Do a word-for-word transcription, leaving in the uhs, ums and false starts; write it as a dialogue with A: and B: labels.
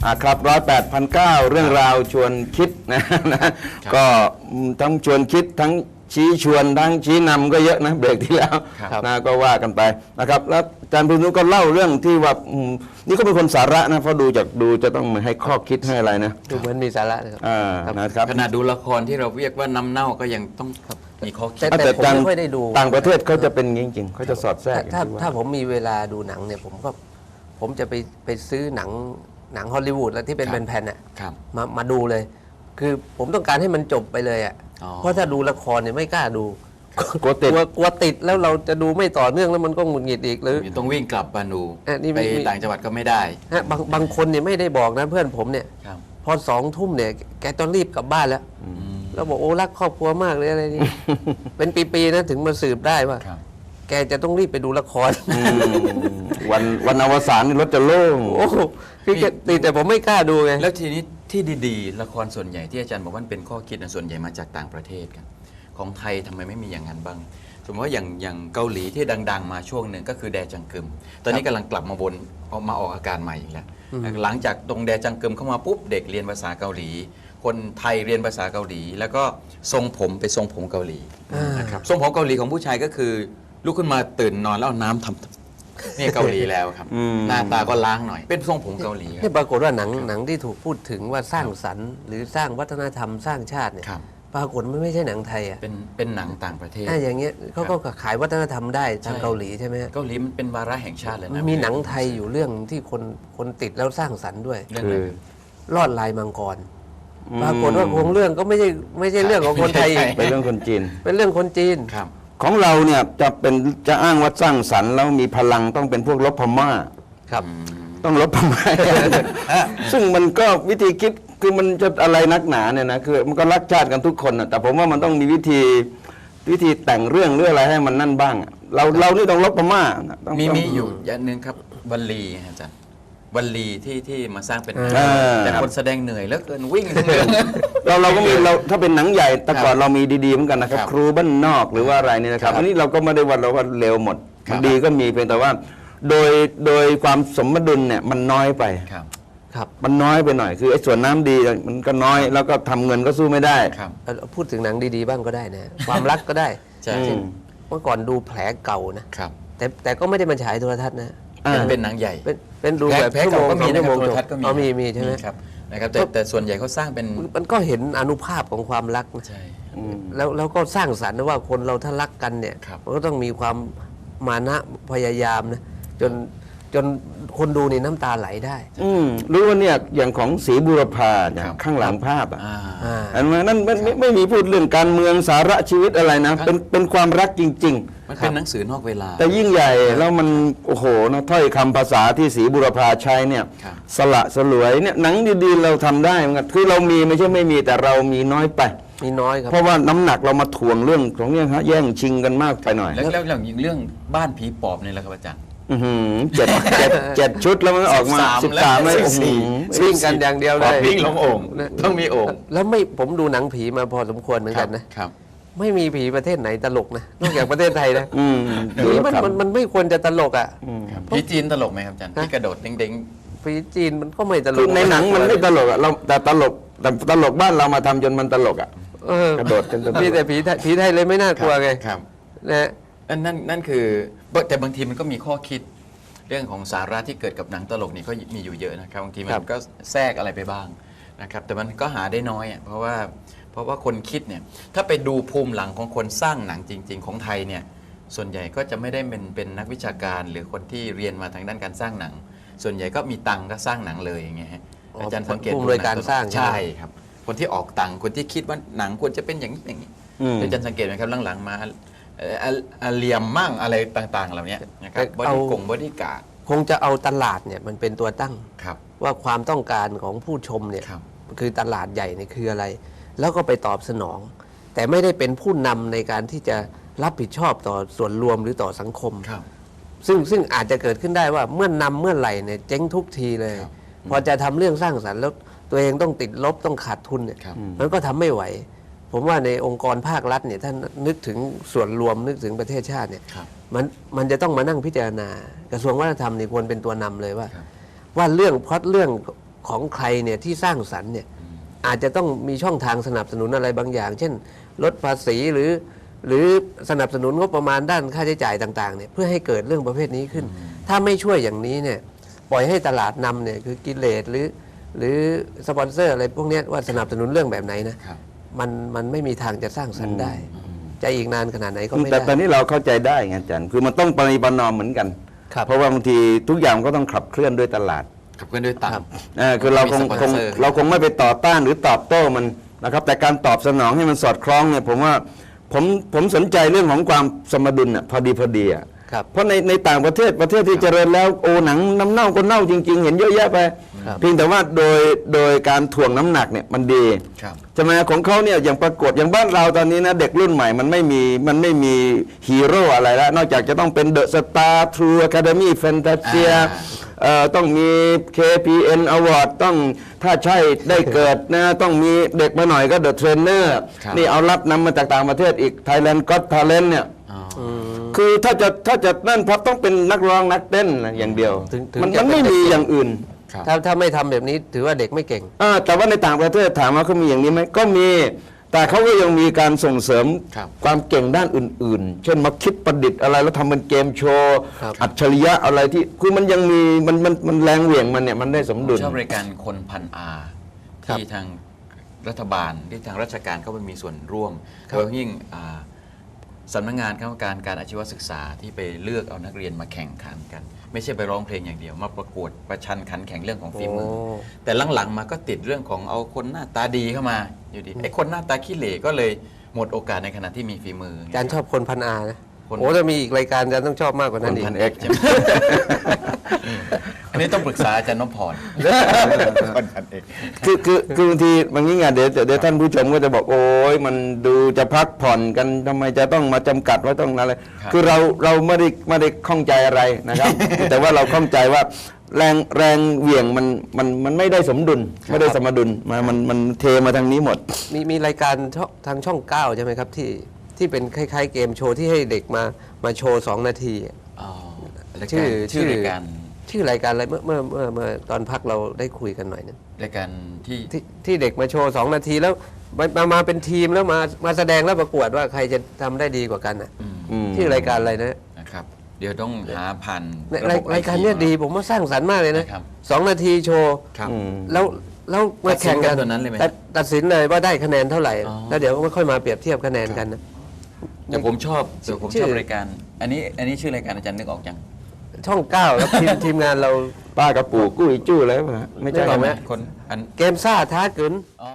A: อ่าครับร้อยแปดพันเก้าเรื่องราวชวนคิดนะนะก็ทั้งชวนคิดทั้งชี้ชวนทั้งชี้นำก็เยอะนะเบรกที่แล้วนะก็ว่ากันไปนะครับแล้วอาจารย์พิษณุก็เล่าเรื่องที่ว่านี่ก็เป็นคนสาระนะเพราะดูจากดูจะต้องมาให้ข้อคิดให้อะไรนะ
B: ดูเหมือนมีสาระนะครับ
A: อ่านะครับ
C: ขณะดูละครที่เราเรียกว่าน้ำเน่าก็ยังต้องมีข้อคิด
B: แต่ผมไม่ค่อยได้ดู
A: ต่างประเทศเขาจะเป็นจริงๆเขาจะสอดแทรก
B: ถ้าถ้าผมมีเวลาดูหนังเนี่ยผมก็ผมจะไปไปซื้อหนังหนังฮอลลีวูดแล้วที่เป็นแผ่นๆอ่ะมามาดูเลย คือผมต้องการให้มันจบไปเลยอ่ะเพราะถ้าดูละครเนี่ยไม่กล้าดู
A: กลัวติด
B: กลัวติดแล้วเราจะดูไม่ต่อเนื่องแล้วมันก็หงุดหงิดอีกหรือ
C: ต้องวิ่งกลับมาดูไปต่างจังหวัดก็ไม่ได้
B: ฮะบางบางคนเนี่ยไม่ได้บอกนะเพื่อนผมเนี่ยพอสองทุ่มเนี่ยแกต้องรีบกลับบ้านแล้วแล้วบอกโอ้รักครอบครัวมากเลยอะไรนี่เป็นปีๆนะถึงมาสืบได้ว่าแกจะต้องรีบไปดูละคร
A: วันวันอวสานนี่รถจะโล่ง
B: โอ้คือแกติดแต่ผมไม่กล้าดูไง
C: แล้วทีนี้ที่ดีๆละครส่วนใหญ่ที่อาจารย์บอกว่าเป็นข้อคิดส่วนใหญ่มาจากต่างประเทศกันของไทยทำไมไม่มีอย่างนั้นบ้างสมมติว่าอย่างอย่างเกาหลีที่ดังๆมาช่วงหนึ่งก็คือแดจังกึมตอนนี้กำลังกลับมาวนออกมาออกอาการใหม่อีกแล้วหลังจากตรงแดจังกึมเข้ามาปุ๊บเด็กเรียนภาษาเกาหลีคนไทยเรียนภาษาเกาหลีแล้วก็ทรงผมไปทรงผมเกาหลีนะครับทรงผมเกาหลีของผู้ชายก็คือลุกขึ้นมาตื่นนอนแล้วเอาน้ำทำนี่เกาหลีแล้วครับหน้าตาก็ล้างหน่อยเป็นทรงผมเกาหลี
B: ที่ปรากฏว่าหนังหนังที่ถูกพูดถึงว่าสร้างสรรค์หรือสร้างวัฒนธรรมสร้างชาติเนี่ยปรากฏมันไม่ใช่หนังไทยอ่ะ
C: เป็นเป็นหนังต่างประเทศ
B: อย่างเงี้ยเขาก็ขายวัฒนธรรมได้ทางเกาหลีใช่ไหไหม
C: เกาหลีมันเป็นวาระแห่งชาติเลยนะ
B: มีหนังไทยอยู่เรื่องที่คนคนติดแล้วสร้างสรรค์ด้วย
A: คือ
B: ลอดลายมังกรปรากฏว่าโครงเรื่องก็ไม่ใช่ไม่ใช่เรื่องของคนไทย
A: เป็นเรื่องคนจีน
B: เป็นเรื่องคนจีน
A: ของเราเนี่ยจะเป็นจะอ้างว่าสร้างสรรค์แล้วมีพลังต้องเป็นพวกลบพม่า
B: ครับ
A: ต้องลบพม่าซึ่งมันก็วิธีคิดคือมันจะอะไรนักหนาเนี่ยนะคือมันก็รักชาติกันทุกคนนะแต่ผมว่ามันต้องมีวิธีวิธีแต่งเรื่องเรื่องอะไรให้มันนั่นบ้างเราเรานี่ต้องลบพม่า
C: มีมีอยู่อย่างหนึ่งครับวลีอาจารย์วลีที่ที่มาสร้างเป็นแต่คนแสดงเหนื่อยแล้วเกินวิ่ง
A: เราเราก็มีเราถ้าเป็นหนังใหญ่แต่ก่อนเรามีดีๆเหมือนกันนะครับครูบ้านนอกหรือว่าอะไรนี่นะครับอันนี้เราก็ไม่ได้ว่าเราว่าเร็วหมดดีก็มีเพียงแต่ว่าโดยโดยความสมดุลเนี่ยมันน้อยไป
B: ครับ
A: มันน้อยไปหน่อยคือไอ้ส่วนน้ำดีมันก็น้อยแล้วก็ทำเงินก็สู้ไม่ได้
B: พูดถึงหนังดีๆบ้างก็ได้นะความรักก็ได้เช่นเมื่อก่อนดูแผลเก่านะแต่แต่ก็ไม่ได้มาฉายโทรทัศน์นะ
C: เป็นหนังใหญ่
B: เป็นเป็นดูแบบ
C: แผลเก่าก็มีในโทรทัศน์ก็มี
B: มีมีใช่ไหม
C: ครับนะครับแต่แต่ส่วนใหญ่เขาสร้างเป็น
B: มันก็เห็นอนุภาพของความรัก
C: ใช่
B: แล้วแล้วก็สร้างสรรค์นะว่าคนเราถ้ารักกันเนี่ยมันก็ต้องมีความมานะพยายามนะจนจนคนดูนี่น้ำตาไหลได้
A: อืมรู้ว่าเนี่ยอย่างของศรีบุรพาเนี่ยข้างหลังภาพอ่ะอันนั้นไม่ไม่มีพูดเรื่องการเมืองสาระชีวิตอะไรนะเป็นเป็นความรักจริงๆ
C: มันเป็นหนังสือนอกเวลา
A: แต่ยิ่งใหญ่แล้วมันโอ้โหนะถ้อยคำภาษาที่ศรีบุรพาใช้เนี่ยสละสลวยเนี่ยหนังดีๆเราทำได้เหมือนกันคือเรามีไม่ใช่ไม่มีแต่เรามีน้อยไป
B: มีน้อยครับ
A: เพราะว่าน้ำหนักเรามาถ่วงเรื่องของเนี่ยฮะแย่งชิงกันมากไปหน่อย
C: แล้วแล้วอย่างเรื่องบ้านผีปอบนี่แหละครับอาจารย์
A: เจ็ดเจ็ดเจ็ดชุดแล้วมันออกมาสิบสามเลย
B: วิ่งกันอย่างเดียวเลย
C: วิ่งลงโอ่งต้องมีโอ่ง
B: แล้วไม่ผมดูหนังผีมาพอสมควรเหมือนกันนะครับไม่มีผีประเทศไหนตลกนะนอกจากประเทศไทยนะผีมันมันมันไม่ควรจะตลกอ่ะ
C: ผีจีนตลกไหมครับอาจารย์ที่กระโดดเด้ง
B: ๆผีจีนมันก็ไม่ตลก
A: ในหนังมันไม่ตลกอ่ะเราแต่ตลกแต่ตลกบ้านเรามาทำจนมันตลกอ่ะกระโดดกัน
B: มีแต่ผีผีไทยเลยไม่น่ากลัวไงนะ
C: นั่นนั่นคือแต่บางทีมันก็มีข้อคิดเรื่องของสาระที่เกิดกับหนังตลกนี่ก็มีอยู่เยอะนะครับบางทีมันก็แทรกอะไรไปบ้างนะครับแต่มันก็หาได้น้อยอ่ะเพราะว่าเพราะว่าคนคิดเนี่ยถ้าไปดูภูมิหลังของคนสร้างหนังจริงๆของไทยเนี่ยส่วนใหญ่ก็จะไม่ได้เป็นเป็นนักวิชาการหรือคนที่เรียนมาทางด้านการสร้างหนังส่วนใหญ่ก็มีตังก็สร้างหนังเลยอย่างเงี้ยอาจารย์สังเกต
B: ดูในการสร้าง
C: ใช่ครับคนที่ออกตังคนที่คิดว่าหนังควรจะเป็นอย่างนี้อย่างนี้อาจารย์สังเกตไหมครับหลังๆมาเหลี่ยมมั่งอะไรต่างๆเหล่านี้นะครับบริกงบริการ
B: คงจะเอาตลาดเนี่ยมันเป็นตัวตั้งว่าความต้องการของผู้ชมเนี่ยคือตลาดใหญ่เนี่ยคืออะไรแล้วก็ไปตอบสนองแต่ไม่ได้เป็นผู้นำในการที่จะรับผิดชอบต่อส่วนรวมหรือต่อสังคมซึ่งซึ่งอาจจะเกิดขึ้นได้ว่าเมื่อนำเมื่อไหร่เนี่ยเจ๊งทุกทีเลยพอจะทำเรื่องสร้างสรรค์แล้วตัวเองต้องติดลบต้องขาดทุนเนี่ยมันก็ทำไม่ไหวผมว่าในองค์กรภาครัฐเนี่ยท่านนึกถึงส่วนรวมนึกถึงประเทศชาติเนี่ยมันมันจะต้องมานั่งพิจารณากระทรวงวัฒนธรรมนี่ควรเป็นตัวนำเลยว่าว่าเรื่องพล็อตเรื่องของใครเนี่ยที่สร้างสรรค์เนี่ยอาจจะต้องมีช่องทางสนับสนุนอะไรบางอย่าง เช่นลดภาษีหรือหรือสนับสนุนงบประมาณด้านค่าใช้จ่ายต่างๆเนี่ยเพื่อให้เกิดเรื่องประเภทนี้ขึ้น ถ้าไม่ช่วยอย่างนี้เนี่ยปล่อยให้ตลาดนำเนี่ยคือกิเลสหรือหรือสปอนเซอร์อะไรพวกเนี้ยว่าสนับสนุนเรื่องแบบไหนนะครับ มันมันไม่มีทางจะสร้างสรรค์ได้ จะอีกนานขนาดไหนก็ไม่
A: แต่
B: ได้
A: ตอนนี้เราเข้าใจได้ไงอาจารย์คือมันต้องปฏิบัตินอมเหมือนกัน
B: ครับ
A: เพราะว่าบางทีทุกอย่างก็ต้องขับเคลื่อนด้วยตลาด
C: ขับเคลื่อนด้วยตัง
B: ครับ
C: ค์
A: เออคือเราคง
C: มีสปอน
A: คง
C: เซอร์
A: เราคงไม่ไปต่อต้านหรือตอบโต้มันนะครับแต่การตอบสนองให้มันสอดคล้องเนี่ยผมว่าผมผมสนใจเรื่องของความสมดุลอ่ะพอดีพอดีอ่ะ
B: ครับ
A: เพราะในในต่างประเทศประเทศที่เจริญแล้วโอ้หนังน้ำเน่าก็เน่าจริง ๆ เห็นเยอะแยะไป
B: ครับ
A: เพียงแต่ว่าโดยโดยการถ่วงน้ำหนักเนี่ยมันดี
C: ครับ
A: ใช่ไหมของเขาเนี่ยอย่างปรากฏอย่างบ้านเราตอนนี้นะเด็กรุ่นใหม่มันไม่มีมันไม่มีฮีโร่อะไรแล้วนอกจากจะต้องเป็นเดอะสตาร์ทรูอะคาเดมี่แฟนตาเซีย
C: อ่า
A: เอ่อต้องมี เค พี เอ็น Award ต้องถ้าใช่ได้เกิดนะต้องมีเด็กมาหน่อยก็ The Trainer
C: ครับ
A: นี่เอารับนำมาจากต่างประเทศอีก Thailand Got Talent เนี่ย
C: อ๋อ
A: คือถ้าจะถ้าจะนั่นพับต้องเป็นนักร้องนักเต้นนะอย่างเดียว
B: ถึงถึง
A: มัน
B: จะ
A: มันไม่
B: เป็น
A: มี
B: เด็ก
A: อย่างอื่น
C: ครับ
B: ถ้าถ้าไม่ทำแบบนี้ถือว่าเด็กไม่เก่ง
A: อ่าแต่ว่าในต่างประเทศถามว่าเขามีอย่างนี้ไหมก็มี แต่เขาก็ยังมีการส่งเสริม
C: ครับ
A: ความเก่งด้านอื่น ๆ เช่นมาคิดประดิษฐ์อะไรแล้วทำเป็นเกมโชว์
B: ครับ
A: อัจฉริยะอะไรที่คือมันยังมีมันมันมันแรงเหวี่ยงมันเนี่ยมันได้สมดุล
C: ชอบรายการคนพันอา
B: ครับ
C: ที่ทางรัฐบาลที่ทางราชการเข้าไปมีส่วนร่วม
B: ครับ
C: โดยยิ่งอ่าสำนักงานคณะกรรมการการอาชีวศึกษาที่ไปเลือกเอานักเรียนมาแข่งขันกัน ไม่ใช่ไปร้องเพลงอย่างเดียว มาประกวดประชันขันแข่งเรื่องของฝีมือ
B: โอ้
C: แต่หลังๆมาก็ติดเรื่องของเอาคนหน้าตาดีเข้ามาอยู่ดีไอ้คนหน้าตาขี้เหร่ก็เลยหมดโอกาสในขณะที่มีฝีมือ
B: อาจารย์ชอบคนพันอานะ
C: คน
B: โอ้ถ้ามีอีกรายการอาจารย์ต้องชอบมากกว่า
C: ค
B: นั้น
C: น
B: อีก
C: พันเอกใช่ไหม อันนี้ต้องปรึกษาอาจารย์นพพรคนพันเอก
A: คือคือคือบางทีบางทีไงเดี๋ยวเดี๋ยวท่านผู้ชมก็จะบอกโอ้ยมันดูจะพักผ่อนกันทำไมจะต้องมาจำกัดว่าต้องอะไร
C: ครับ
A: คือเราเราไม่ได้ไม่ได้ข้องใจอะไรนะครับ แต่ว่าเราข้องใจว่าแรงแรงเหวี่ยงมันมันมันไม่ได้สมดุล ไม่ได้สมดุลมามันมันเทมาทางนี้หมด
B: มีมีรายการช่องทางช่องเก้าใช่ไหมครับที่ที่เป็นคล้ายๆเกมโชว์ที่ให้เด็กมามาโชว์สองนาทีอะ
C: อ๋อราย
B: ชื่
C: การ
B: อ
C: ชื่อรายการ
B: ชื่อรายการอะไรเมื่อเมื่อเมื่อเมื่อตอนพักเราได้คุยกันหน่อยนึง
C: รายการที่
B: ที่ที่เด็กมาโชว์สองนาทีแล้วมามามาเป็นทีมแล้วมามาแสดงแล้วประกวดว่าใครจะทำได้ดีกว่ากันอ่ะ
C: อืม
A: อืม
B: ชื่อรายการอะไรนะ
C: นะครับ เดี๋ยวต้องหาผ่าน
B: รายรายการเนี้ยดีผมว่าสร้างสรรค์มากเลยนะ
C: นะครับ
B: สองนาทีโชว์
C: ครับ
A: อืม
B: แล้วแล้วมาแข่งกัน
C: ตัดสินกันตัวนั้นเลยไหม
B: ตัดตัดสินเลยว่าได้คะแนนเท่าไหร่
C: อ๋อ
B: แล้วเดี๋ยวก็ไม่ค่อยมาเปรียบเทียบคะแนนกันนะ
C: แต่ผมชอบแต่ผม
B: ชื่
C: ช
B: อ
C: อบรายการ อันนี้อันนี้ชื่อรายการอาจารย์นึกออกยัง
B: ช่องเก้าแล้วทีมทีมงานเรา
A: ป้ากระปูกุ้ยจู้อะไรวะไม่ใช่
B: นึกออกไหม
C: คนอัน
B: เกมซ่าท้าเกิน